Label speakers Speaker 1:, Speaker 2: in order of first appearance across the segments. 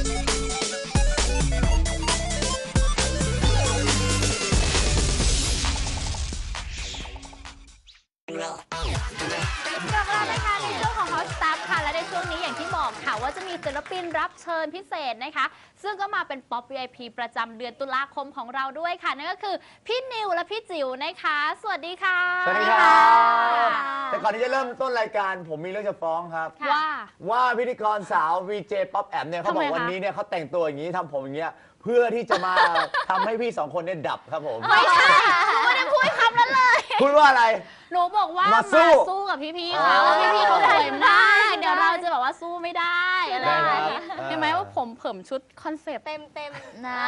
Speaker 1: ว่าจะมีศิลปินรับเชิญพิเศษนะคะซึ่งก็มาเป็นป๊อป VIP ประจำเดือนตุลาคมของเราด้วยค่ะนั่นก็คือพี่นิวและพี่จิ๋วนะคะสวัสดีค่ะ
Speaker 2: สวัสดีครับแต่ก่อนที่จะเริ่มต้นรายการผมมีเรื่องจะฟ้องครับว่าพิธีกรสาว VJ ป๊อปแอมเนี่ยเขาบอกวันนี้เนี่ยเขาแต่งตัวอย่างนี้ทำผมอย่างเงี้ยเพื่อที่จะมาทำให้พี่สองคนเนี่ยดับครับผม
Speaker 1: ไม่ใช่ไม่ได้พูดคำนั้นเลย
Speaker 2: พูดว่าอะไร
Speaker 1: หนูบอกว่ามาสู้กับพี่ๆเขาพี่ๆเขาสวยมากเดี๋ยวเราจะบอกว่าสู้ไม่ได้อะไรเห็นไหมว่าผมเผิ่มชุดคอนเซปต์เต็มนะ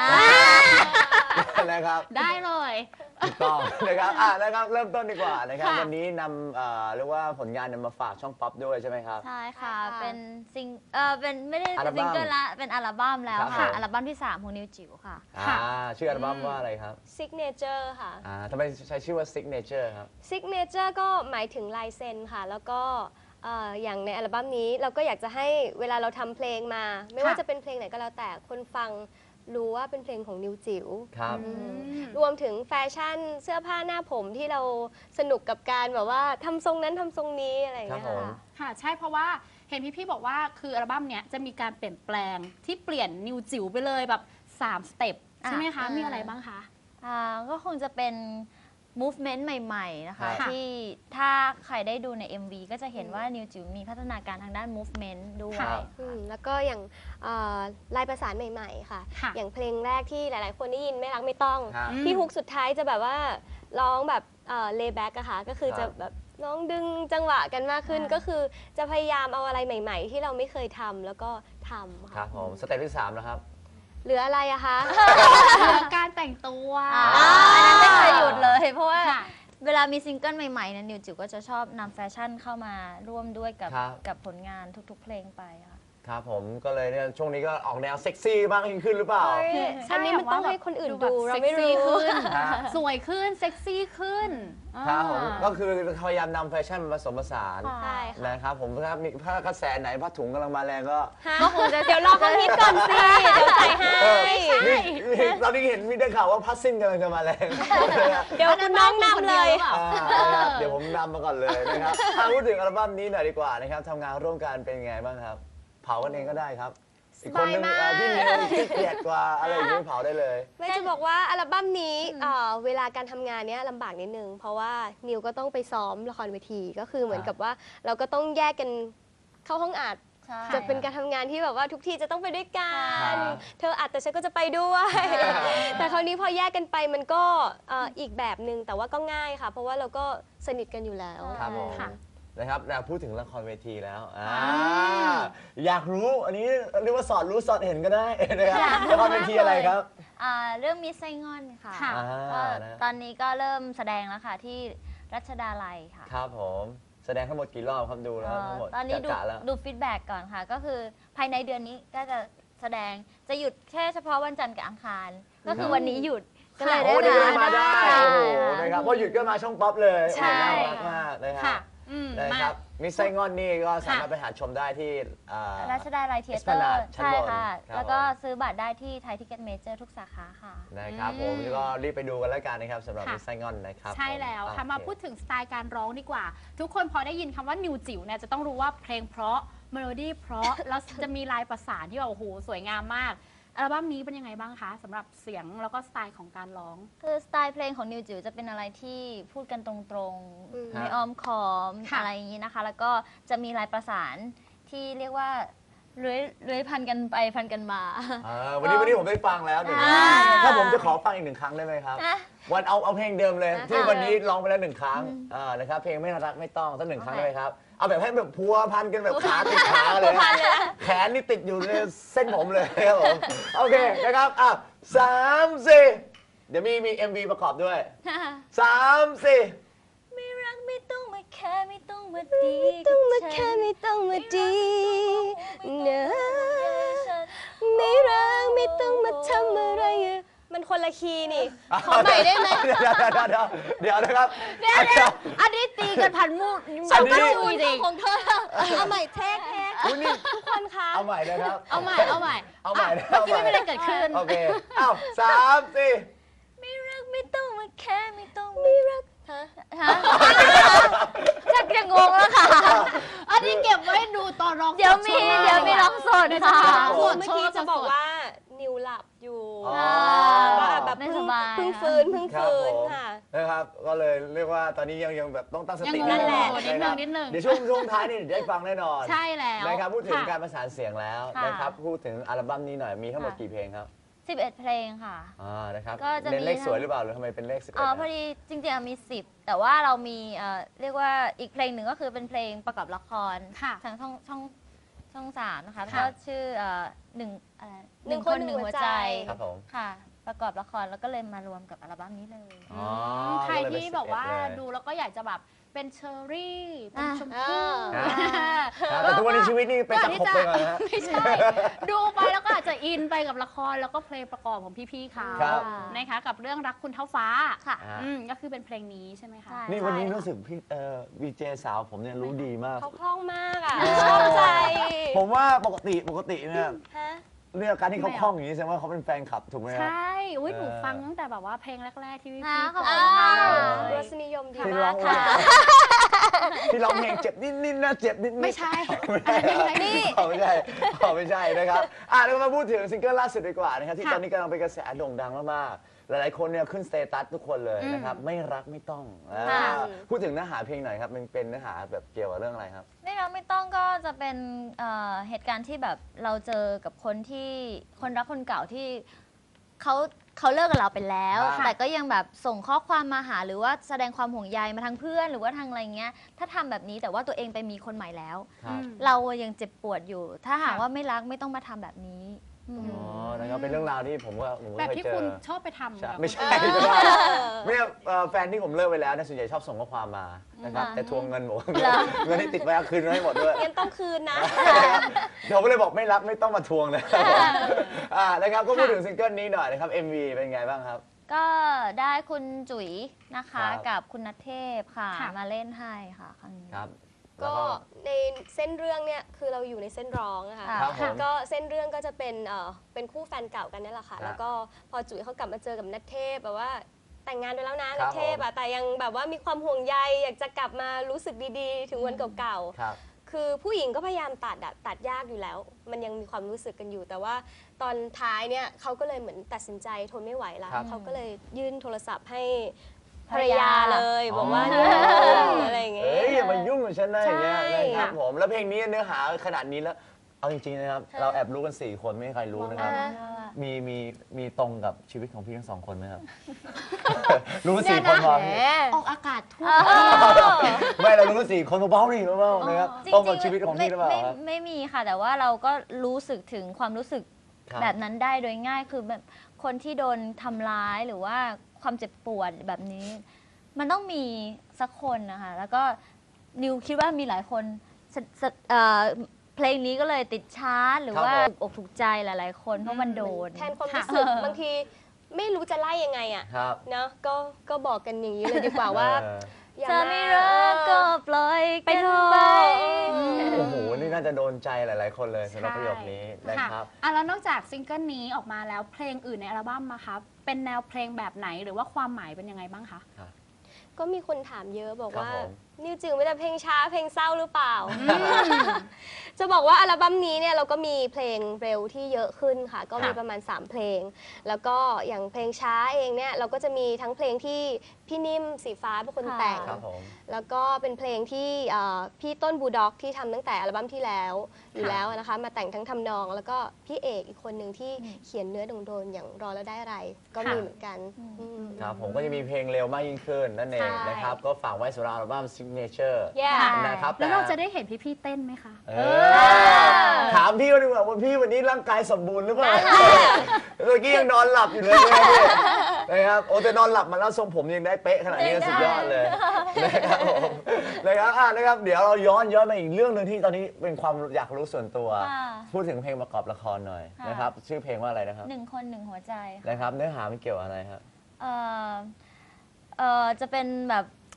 Speaker 2: นะครับ
Speaker 1: ได้เลย
Speaker 2: ถูกต้องนะครับนะครับเริ่มต้นดีกว่านะครับวันนี้นำเรียกว่าผลงานมาฝากช่องป๊อปด้วยใช่ไหมครับ
Speaker 3: ใช่ค่ะเป็นเป็นไม่ได้เป็นซิงเกิลละเป็นอัลบั้มแล้วค่ะอัลบั้มที่3ของนิวจิ๋วค่ะ
Speaker 2: ชื่ออัลบั้มว่าอะไรครับ
Speaker 4: Signature ค่ะ
Speaker 2: ทำไมใช้ชื่อว่า Signature ครับ
Speaker 4: Signature ก็หมายถึงลายเซ็นค่ะแล้วก็อย่างในอัลบั้มนี้เราก็อยากจะให้เวลาเราทำเพลงมาไม่ว่าจะเป็นเพลงไหนก็แล้วแต่คนฟังรู้ว่าเป็นเพลงของนิวจิ๋วรวมถึงแฟชั่นเสื้อผ้าหน้าผมที่เราสนุกกับการแบบว่าทำทรงนั้นทำทรงนี้อะไรอย่างเงี้ย
Speaker 1: ค่ะใช่เพราะว่าเห็นพี่บอกว่าคืออัลบั้มเนี้ยจะมีการเปลี่ยนแปลงที่เปลี่ยนนิวจิ๋วไปเลยแบบ3สเต็ปใช่ไหมคะมีอะไรบ้างคะ
Speaker 3: ก็คงจะเป็น movement ใหม่ๆนะคะที่ถ้าใครได้ดูใน MV ก็จะเห็นว่านิวจิ๋วมีพัฒนาการทางด้าน movement ด้วย
Speaker 4: แล้วก็อย่างลายประสานใหม่ๆค่ะอย่างเพลงแรกที่หลายๆคนได้ยินไม่รักไม่ต้องที่ฮุกสุดท้ายจะแบบว่าร้องแบบเลย์แบ็กอะค่ะก็คือจะแบบร้องดึงจังหวะกันมากขึ้นก็คือจะพยายามเอาอะไรใหม่ๆที่เราไม่เคยทำแล้วก็ทำค่ะ
Speaker 2: ครับผมสเต็ปที่3แล้วครับ
Speaker 4: เหลืออะไรอะคะ
Speaker 1: เหลือการแต่งตัว
Speaker 3: อันนั้นไม่เคยหยุดเลยเพราะว่าเวลามีซิงเกิลใหม่ๆนั้นนิวจิ๋วก็จะชอบนำแฟชั่นเข้ามาร่วมด้วยกับผลงานทุกๆเพลงไปค่ะ
Speaker 2: ครับผมก็เลยเนี่ยช่วงนี้ก็ออกแนวเซ็กซี่บ้างยิ่งขึ้นหรือเปล่า
Speaker 4: อันนี้มันต้องให้คนอื่นดูเราไม่รู้
Speaker 1: ขึ้นสวยขึ้นเซ็กซี่ขึ้น
Speaker 2: ครับผมก็คือพยายามนำแฟชั่นมาผสมผสานนะครับผมถ้ากระแสไหนผ้าถุงกำลังมาแรงก็
Speaker 4: คงจะเดี๋ยวรอเขาฮิตก่อนสิเดี๋ยวใส่ให้
Speaker 2: เราได้เห็นมีได้ข่าวว่าพัสซิ่งกำลังจะมาแรง
Speaker 4: เดี๋ยวคุณน้องนำเลย
Speaker 2: เดี๋ยวผมนำมาก่อนเลยนะครับพูดถึงอัลบั้มนี้หน่อยดีกว่านะครับทำงานร่วมกันเป็นไงบ้างครับเผากันเองก็ได้ครับอีกคนนึงพี่นิวขี้เกียจกว่าอะไรอย่างนี้เผาได้เลย
Speaker 4: ไม่จะบอกว่าอัลบั้มนี้เวลาการทำงานเนี้ยลำบากนิดนึงเพราะว่านิวก็ต้องไปซ้อมละครเวทีก็คือเหมือนกับว่าเราก็ต้องแยกกันเข้าห้องอัดจะเป็นการทำงานที่แบบว่าทุกทีจะต้องไปด้วยกันเธออัดแต่ฉันก็จะไปด้วยแต่คราวนี้พอแยกกันไปมันก็อีกแบบนึงแต่ว่าก็ง่ายค่ะเพราะว่าเราก็สนิทกันอยู่แล้ว
Speaker 2: นะครับพูดถึงละครเวทีแล้วอยากรู้อันนี้เรียกว่าสอดรู้สอดเห็นก็ได้นะครับละครเวทีอะไรครับ
Speaker 3: เรื่องมิสไซงอนค่ะตอนนี้ก็เริ่มแสดงแล้วค่ะที่รัชดาลัยค่ะ
Speaker 2: ครับผมแสดงทั้งหมดกี่รอบครับดูแล้วทั้งหมด
Speaker 3: ตอนนี้ดูฟีดแบ็กก่อนค่ะก็คือภายในเดือนนี้ก็จะแสดงจะหยุดแค่เฉพาะวันจันทร์กับอังคารก็คือวันนี้หยุด
Speaker 2: ก็เลยได้มาได้นะครับเพราะหยุดก็มาช่องป๊อปเลยน่ารักมากนะครับนะครับมิสไซงอนนี่ก็สามารถไปหาชมได้ที่
Speaker 3: รัชดาลัยเธียเตอร์ใช่ค่ะแล้วก็ซื้อบัตรได้ที่ไทยทิเก็ตเมเจอร์ทุกสาขาค่ะ
Speaker 2: นะครับผมก็รีบไปดูกันแล้วกันนะครับสำหรับมิสไซงอนนะครับ
Speaker 1: ใช่แล้วค่ะมาพูดถึงสไตล์การร้องดีกว่าทุกคนพอได้ยินคำว่านิวจิ๋วเนี่ยจะต้องรู้ว่าเพลงเพราะเมโลดี้เพราะแล้วจะมีลายประสานที่แบบโอ้โหสวยงามมากอัลบั้มนี้เป็นยังไงบ้างคะสำหรับเสียงแล้วก็สไตล์ของการร้อง
Speaker 3: คือสไตล์เพลงของนิวจิ๋วจะเป็นอะไรที่พูดกันตรงๆไม่อ้อมค้อมอะไรอย่างนี้นะคะแล้วก็จะมีลายประสานที่เรียกว่าเลื้อยพันกันไปพันกันมา
Speaker 2: วันนี้ผมได้ฟังแล้วถ้าผมจะขอฟังอีก1 ครั้งได้ไหมครับวันเอาเพลงเดิมเลยที่วันนี้ร้องไปแล้ว1 ครั้งนะครับเพลงไม่รักไม่ต้องสัก1 ครั้งได้ไหมครับเอาแบบให้แบบพัวพันกันแบบขาติดขาเลยแขนนี่ติดอยู่ในเส้นผมเลยครับผมโอเคนะครับ3 4เดี๋ยวมี MV ประกอบด้วย3 4
Speaker 3: ไม่รักไม่ต้องมาแค่ไม่ต้องมาดี
Speaker 4: ต้องมาแค่ไม่ต้องมาดีเนอะไม่รักไม่ต้องมาทำอะไรมันคนละคีย์นี่ขอใหม่ได้ไหม
Speaker 2: เดี๋ยวนะครับ
Speaker 1: อันนี้ตีกันพันมูด
Speaker 4: ฉันก็รู้ของเธอเอาใหม่เทค
Speaker 2: คุณนี่
Speaker 4: ทุกคนคะ
Speaker 2: เอาใหม่นะครับ
Speaker 1: เอาใหม่
Speaker 2: เอาใหม่
Speaker 1: เมื่อกี้ไม่มีอะไรเกิดขึ้น
Speaker 2: โอเคอ้าว3 4
Speaker 3: ไม่รักไม่ต้องมาแค่ไม่ต้องไม่รัก
Speaker 4: ฮะ
Speaker 3: ฮะชักจะงงแล้วค่ะ
Speaker 1: อันนี้เก็บไว้ดูตอนร้อง
Speaker 3: เดี๋ยวมีร้องสดค่ะ
Speaker 1: สด
Speaker 4: เมื่อกี้จะบอกว่านิวหลับอยู่
Speaker 2: อ๋อ
Speaker 4: ว่าแบบ
Speaker 3: ไม่
Speaker 4: เพิ่
Speaker 3: ส
Speaker 4: ง
Speaker 3: บาย
Speaker 4: เพิ่ง
Speaker 3: ค่ะ
Speaker 4: ฟื้นค่ะ
Speaker 2: นะครับก็เลยเรียกว่าตอนนี้ยังแบบต้องตั้งสติ
Speaker 1: ยัง
Speaker 4: นั่นแหละ
Speaker 1: นิดนึง
Speaker 2: เดี๋ยวช่วงท้ายนี่เดี๋ยวได้ฟังแน่นอน
Speaker 1: ใช่แล้ว
Speaker 2: นะครับพูดถึง
Speaker 1: ค่ะ
Speaker 2: การประสานเสียงแล้ว
Speaker 3: ค่ะ
Speaker 2: นะครับพูดถึงอัลบั้มนี้หน่อยมีทั้งหมดกี่เพลงครับ
Speaker 3: 11 เพลงค่ะ
Speaker 2: นะครับ
Speaker 3: ก็จะมี
Speaker 2: เน้นเลขสวยหรือเปล่าหรือทำไมเป็นเลข11
Speaker 3: อ๋อพอดีจริงๆมี 10 แต่ว่าเรามีเรียกว่าอีกเพลงหนึ่งก็คือเป็นเพลงประกอบละคร
Speaker 1: ค่ะ
Speaker 3: ทางช่อง3นะคะ
Speaker 1: ค่ะ
Speaker 3: ก็ชื่อหนึ่งอะไร
Speaker 4: หนึ่งคนหนึ่งหัวใจ
Speaker 2: ครับผม
Speaker 3: ค่ะ ประกอบละครแล้วก็เลยมารวมกับอัลบั้มนี้เลย
Speaker 2: อ๋อ
Speaker 1: ใครที่บอกว่า
Speaker 2: ก็เลยเป็น11
Speaker 1: ดูแล้วก็อยากจะแบบเป็นเชอร์รี่ เป็น
Speaker 3: อ่ะ
Speaker 1: ชมพู่
Speaker 2: ครับแต่ทุกวันนี้ชีวิตนี่เป็นตะขบไปก่อนนะฮะ
Speaker 1: ไม่ใช่ ดูไปแล้วก็อาจจะอินไปกับละครแล้วก็เพลงประกอบของพี่ๆเขา
Speaker 2: ครับ
Speaker 1: นะคะกับเรื่องรักคุณเท่าฟ้า
Speaker 3: ค่ะ
Speaker 1: ก็คือเป็นเพลงนี้ใช่ไหมคะ
Speaker 3: ใช่
Speaker 2: นี่วันนี้รู้สึกพี่วีเจสาวผมเนี่ยรู้ดีมาก
Speaker 4: เขาคล่องมากอ่ะชอบใจ
Speaker 2: ผมว่าปกติเนี่ย
Speaker 4: ฮะ
Speaker 2: เรื่องการที่เขาคล่องอย่างนี้แสดงว่าเขาเป็นแฟนคลับถูกไหมค
Speaker 1: ใช
Speaker 2: รับ
Speaker 1: ่อุ้ยหนูฟังตั้งแต่แบบว่าเพลงแรกๆที่พี่
Speaker 3: นะ
Speaker 1: ๆ
Speaker 3: ขอบ
Speaker 1: เปิ
Speaker 3: คุ
Speaker 1: ด
Speaker 3: ณค่ะ
Speaker 4: รสนิยมดี
Speaker 2: ที่
Speaker 4: มา
Speaker 2: ร้อก ง
Speaker 4: ค่ะ
Speaker 2: ที่ร้องเพลงเจ็บนิดๆนะเจ็บนิดๆ
Speaker 1: ไม่ใช่
Speaker 2: นี่ไม่ใช่ไม่ใช่นะครับแล้วมาพูดถึงซิงเกิลล่าสุดดีกว่านะครับที่ตอนนี้กำลังเป็นกระแสโด่งดังมากๆหลายๆคนเนี่ยขึ้นสเตตัสทุกคนเลยนะครับไม่รักไม่ต้องพูดถึงเนื้อหาเพลงหน่อยครับมันเป็นเนื้อหาแบบเกี่ยวกับเรื่องอะไรครับ
Speaker 3: ไม่รักไม่ต้องก็จะเป็นเหตุการณ์ที่แบบเราเจอกับคนที่คนรักคนเก่าที่เขาเลิกกับเราไปแล้ว
Speaker 2: ค่ะ
Speaker 3: แต่ก็ยังแบบส่งข้อความมาหาหรือว่าแสดงความห่วงใยมาทางเพื่อนหรือว่าทางอะไรเงี้ยถ้าทำแบบนี้แต่ว่าตัวเองไปมีคนใหม่แล้ว
Speaker 2: ครับ
Speaker 3: เรายังเจ็บปวดอยู่ ถ้าหากว่าไม่รักไม่ต้องมาทำแบบนี้อืม
Speaker 2: อ๋อนะครับเป็นเรื่องราวที่ผมก็
Speaker 1: แบบ
Speaker 2: เคย
Speaker 1: ที่
Speaker 2: เจอ
Speaker 1: คุณชอบไปทำ
Speaker 2: ใช่
Speaker 1: กับ
Speaker 2: ไม่ใช่ไม่แฟนที่ผมเลิกไปแล้วเนี่ยส่วนใหญ่ชอบส่งข้อความมานะครับแต่ทวงเงินบอกว่าเงินที่ติดไว้เอาคืนมาให้หมดด้วย
Speaker 4: งั้นต้องคืนนะ
Speaker 2: เดี๋ยวผมเลยบอกไม่รับไม่ต้องมาทวงเลยนะครับก็พูดถึงซิงเกิลนี้หน่อยนะครับ MV เป็นไงบ้างครับ
Speaker 3: ก็ได้คุณจุ๋ยนะคะ
Speaker 2: ครับ
Speaker 3: กับคุณนัทเทพค่ะ
Speaker 1: ค่ะ
Speaker 3: มาเล่นให้ค่ะครั้งนี้
Speaker 2: ครับ
Speaker 4: ก็ในเส้นเรื่องเนี่ยคือเราอยู่ในเส้นร้องนะคะ
Speaker 2: ครับผม
Speaker 4: ก็เส้นเรื่องก็จะเป็นคู่แฟนเก่ากันนี่แหละค่ะ
Speaker 2: ครับ
Speaker 4: แล้วก็พอจุ๋ยเขากลับมาเจอกับนัทเทพแบบว่าแต่งงานไปแล้วนะ
Speaker 2: ครั
Speaker 4: นั
Speaker 2: บ
Speaker 4: ทเทพอะแต่ยังแบบว่ามีความห่วงใยอยากจะกลับมารู้สึกดีๆ ถึงวันเก่า
Speaker 2: ครับ
Speaker 4: ๆคือผู้หญิงก็พยายามตัดยากอยู่แล้ว มันยังมีความรู้สึกกันอยู่ แต่ว่าตอนท้ายเนี่ยเขาก็เลยเหมือนตัดสินใจทนไม่ไหวแล้ว
Speaker 2: ครับ
Speaker 4: เขาก็เลยยื่นโทรศัพท์ให้ภ
Speaker 3: ภ
Speaker 4: ร
Speaker 3: ร
Speaker 4: ร
Speaker 3: ร
Speaker 4: ยาย
Speaker 3: า
Speaker 4: เลยบอกว่า
Speaker 2: อ๋อ
Speaker 4: เนี่ยอะไรอย่างเงี้
Speaker 2: เอ้ยอย่ามายุ่งกับฉันนะอย่างเงี้ย
Speaker 4: ใช่
Speaker 2: นะครับผมแล้วเพลงนี้เนื้อหาขนาดนี้แล้วเอาจริงๆนะครับเราแอบรู้กัน4คนไม่มีใครรู้นะครับ มีตรงกับชีวิตของพี่ทั้งสองคนไหมครับ รู้กัน4คนพอพี่
Speaker 1: ออกอากาศทั่ว
Speaker 2: ไม่เรารู้กัน4คนเบาๆนี่เบาๆนะครับ
Speaker 3: จริงๆ
Speaker 2: ตรงกับชีวิตของพี่หรือเปล่าครับ
Speaker 3: ไม่มีค่ะ แต่ว่าเราก็รู้สึกถึงความรู้สึก
Speaker 2: ครับ
Speaker 3: แบบนั้นได้โดยง่ายคือแบบคนที่โดนทำร้ายหรือว่าความเจ็บปวดแบบนี้ มันต้องมีสักคนนะคะแล้วก็นิวคิดว่ามีหลายคนเพลงนี้ก็เลยติดชาร์ตหรือว่า
Speaker 2: ครับผม
Speaker 3: ถูกอกถูกใจหลายๆ คนเพราะมันโดน
Speaker 4: แทนความรู้สึกบางทีไม่รู้จะไล่ยังไงอ่ะ
Speaker 2: ครับ
Speaker 4: เนาะก็บอกกันอย่างนี้เลยดีกว่าว่า อย่า
Speaker 3: จะไม่รักก็ปล่อย
Speaker 4: ไป
Speaker 3: กัน
Speaker 4: เถ
Speaker 3: ไป
Speaker 4: อะ
Speaker 2: โอ้โห นี่น่าจะโดนใจหลาย ๆ คนเลยสำหรับประโยคนี้นะครับ
Speaker 1: แล้วนอกจากซิงเกิลนี้ออกมาแล้วเพลงอื่นในอัลบั้มมาคะเป็นแนวเพลงแบบไหนหรือว่าความหมายเป็นยังไงบ้างคะ
Speaker 4: ก็มีคนถามเยอะบอกว่า
Speaker 2: ครับผม
Speaker 4: นิวจิ๋วไม่แต่เพลงช้าเพลงเศร้าหรือเปล่า จะบอกว่าอัลบั้มนี้เนี่ยเราก็มีเพลงเร็วที่เยอะขึ้นค่ะ ก็มีประมาณ 3 เพลง แล้วก็อย่างเพลงช้าเองเนี่ยเราก็จะมีทั้งเพลงที่พี่นิ่มสีฟ้าเป็นคนแต่ง
Speaker 2: ครับผม
Speaker 4: แล้วก็เป็นเพลงที่พี่ต้นบูด็อกที่ทำตั้งแต่อัลบั้มที่แล้วอยู่แล้วนะคะมาแต่งทั้งทำนอง แล้วก็พี่เอกอีกคนหนึ่งที่เขียนเนื้อโดนๆอย่างรอแล้วได้อะไร ก็มีเหมือนกันอืม
Speaker 2: ครับผมก็จะมีเพลงเร็วมากยิ่งขึ้นนั่นเอง
Speaker 4: ใช่
Speaker 2: นะครับ ก็ฝากไว้สำหรับอัลบั้ม Signature
Speaker 4: Yeah
Speaker 2: นะครับ
Speaker 1: แล้วเราจะได้เห็นพี่ๆเต้นไหมคะ
Speaker 2: ถามพี่ว่าดีกว่าว่าพี่วันนี้ร่างกายสมบูรณ์หรือเปล่าเมื่อกี้ยังนอนหลับอยู่เลยนะครับโอ้แต่นอนหลับมาแล้วทรงผมยังได้เป๊ะขนาดนี้ก็สุดยอดเลยนะครับผมนะครับเดี๋ยวเราย้อนมาอีกเรื่องหนึ่งที่ตอนนี้เป็นความอยากรู้ส่วนตัว
Speaker 3: ค่ะ
Speaker 2: พูดถึงเพลงประกอบละครหน่อย
Speaker 3: ค่ะ
Speaker 2: นะครับชื่อเพลงว่าอะไรนะครับ
Speaker 3: หนึ่งคนหนึ่งหัวใจค่ะ
Speaker 2: นะครับเนื้อหามันเกี่ยวกับอะไรครับ
Speaker 3: เอ่อจะเป็นแบบ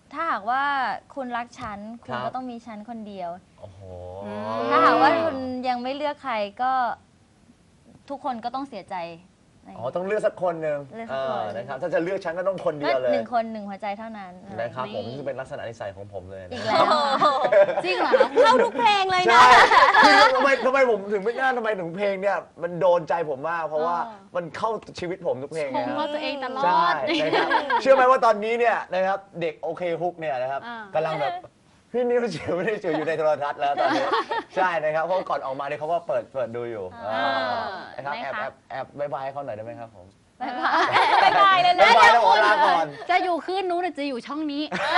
Speaker 3: ถ้าหากว่าคุณรักฉันคุ
Speaker 2: ค
Speaker 3: ณ
Speaker 2: รับ
Speaker 3: ก็ต้องมีฉันคนเดียว
Speaker 2: โอ้โห
Speaker 3: ถ้าหากว่าคุณยังไม่เลือกใครก็ทุกคนก็ต้องเสียใจอะไรอย่าง
Speaker 2: อ๋อ
Speaker 3: เงี้ย
Speaker 2: ต้องเลือกสักคนหนึ่ง
Speaker 3: เลือกสักคน
Speaker 2: นะครับ ถ้าจะเลือกฉันก็ต้องคนเดียวเลย
Speaker 3: หนึ่งคนหนึ่งหัวใจเท่านั้น
Speaker 2: นะครับผม
Speaker 1: นี่
Speaker 2: นี่เป็นลักษณะนิสัยของผมเลย
Speaker 3: อี
Speaker 2: นะ
Speaker 3: กแล้วค่ะ
Speaker 1: จริงเหรอคะ
Speaker 4: เข้าทุกเพลงเลยนะ
Speaker 2: ใช่คือทำไมผมถึงไม่น่าทำไมถึงเพลงเนี่ยมันโดนใจผมมาก เพราะว่ามันเข้าชีวิตผมทุกเพลง
Speaker 1: ช
Speaker 2: นะ
Speaker 1: ม
Speaker 2: ครับ
Speaker 1: ว่าตัวเองตลอ
Speaker 2: ใช่
Speaker 1: ด
Speaker 2: นะครับเชื่อไหมว่าตอนนี้เนี่ยนะครับเด็กโอเคฮุกเนี่ยนะครับ
Speaker 1: อ่า
Speaker 2: กำลังแบบพี่นิวจิ๋วนี่จิ๋วอยู่ในโทรทัศน์แล้วตอนนี้ใช่นะครับเพราะก่อนออกมาเนี่ยเขาก็เปิดดูอยู่นะครับ
Speaker 1: นะคะ
Speaker 2: แอบบายบายเขาหน่อยได้ไหมครับผม
Speaker 3: บ๊ายบาย
Speaker 4: บ๊ายบายเลยนะ
Speaker 2: บายบายแล้วขอลาก่อน
Speaker 1: จะอยู่คืนนู้นหรือจะอยู่ช่องนี้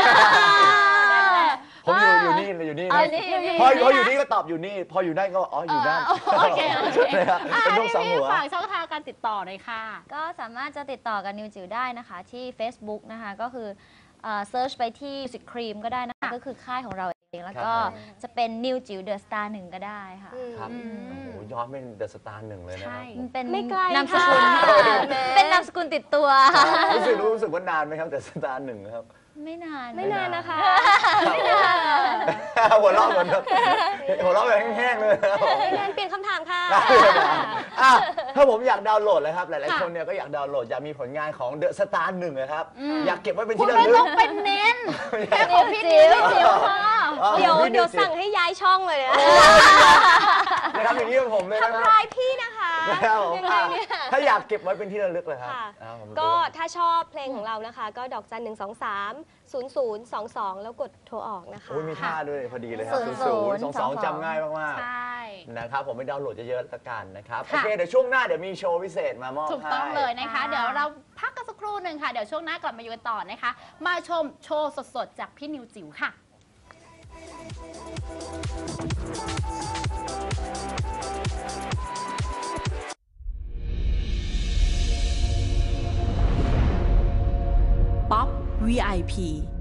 Speaker 2: ผมอยู่นี่อยู่นี่
Speaker 3: เอา
Speaker 2: นะ
Speaker 3: นี่
Speaker 2: พออยู่นี่ก็ตอบอยู่นี่ พออยู่นั่นก็อ๋ออยู่นั่น
Speaker 1: โอเคโอเค
Speaker 2: นะครับเป็นลูกสองหัว
Speaker 1: ฝากช่องทางการติดต่อหน่อยค่ะ
Speaker 3: ก็สามารถจะติดต่อกับนิวจิ๋วได้นะคะที่ Facebook นะคะก็คือเซิร์ชไปที่ Music Cream ก็ได้นะคะ
Speaker 1: ค่ะ
Speaker 3: ก็คือค่ายของเราเองแล้ว
Speaker 2: ครับ
Speaker 3: ก็
Speaker 2: ผม
Speaker 3: จะเป็นนิวจิ๋วเดอะสตาร์1ก็ได้ค่ะ
Speaker 2: ครับ
Speaker 1: อืม
Speaker 2: โอ้โหย้อนเป็นเดอะสตาร์หนึ่งเลยนะค
Speaker 1: ใช่
Speaker 2: รับ
Speaker 3: มันเป็น
Speaker 4: ไม่ไกล
Speaker 3: นามสกุล
Speaker 4: ค่ะ
Speaker 3: ค่ะ
Speaker 4: แหม
Speaker 3: เป็นนามสกุลติดตัว
Speaker 2: รู้สึกว่านานไหมครับเดอะสตาร์หนึ่งครับ
Speaker 3: ไม่นาน
Speaker 4: ไม่นานนะคะ
Speaker 2: หัวเราะเหมือนแบบหัวเราะแบบแห้งๆเลยนะครับผม
Speaker 4: งานเปลี่ยนคำถามค่ะ
Speaker 2: อ่ะถ้าผมอยากดาวน์โหลดเลยครับ หลายๆคนเนี่ยก็อยากดาวน์โหลดอยากมีผลงานของเดอะสตาร์หนึ่งนะครับ อยากเก็บไว้เป็น
Speaker 1: คุ
Speaker 2: ที่
Speaker 1: ณ
Speaker 2: ระ
Speaker 1: ไม่
Speaker 2: ลึก
Speaker 1: ต้องเป็นเน้น
Speaker 3: แค่ของพี่นิวจิ๋วค่ะ
Speaker 4: เดี๋ยวสั่งให้ย้ายช่องเลยนะ
Speaker 2: นะครับอย่างนี้กับผมเลยนะค
Speaker 4: ทำ
Speaker 2: รับ
Speaker 4: ร้ายพี่นะคะ
Speaker 2: นะครับผม
Speaker 4: ยังไงเนี่ย
Speaker 2: ถ้าอยากเก็บไว้เป็นที่ระลึกเลยครับ
Speaker 4: ค่ะ
Speaker 2: อ่าผม
Speaker 4: ก็ถ้าชอบเพลงของเรานะคะ ก็ดอกจัน123 0022 แล้วกดโทรออกนะคะ
Speaker 2: โอ้ยมีท่าด้วยพอดีเลยครับ
Speaker 3: 00
Speaker 2: 0022จำง่ายมาก
Speaker 1: ใช่
Speaker 2: ๆนะครับผมไปดาวน์โหลดเยอะๆละกันนะครับ
Speaker 1: ค่ะ
Speaker 2: โอเคเดี๋ยวช่วงหน้าเดี๋ยวมีโชว์พิเศษมามอบให้
Speaker 1: ถูกต้องเลยนะคะ
Speaker 3: ค่ะ
Speaker 1: เดี๋ยวเราพักกันสักครู่หนึ่งค่ะ เดี๋ยวช่วงหน้ากลับมาอยู่กันต่อนะคะ มาชมโชว์สดๆ จากพี่นิวจิ๋วค่ะ
Speaker 5: ป๊อป VIP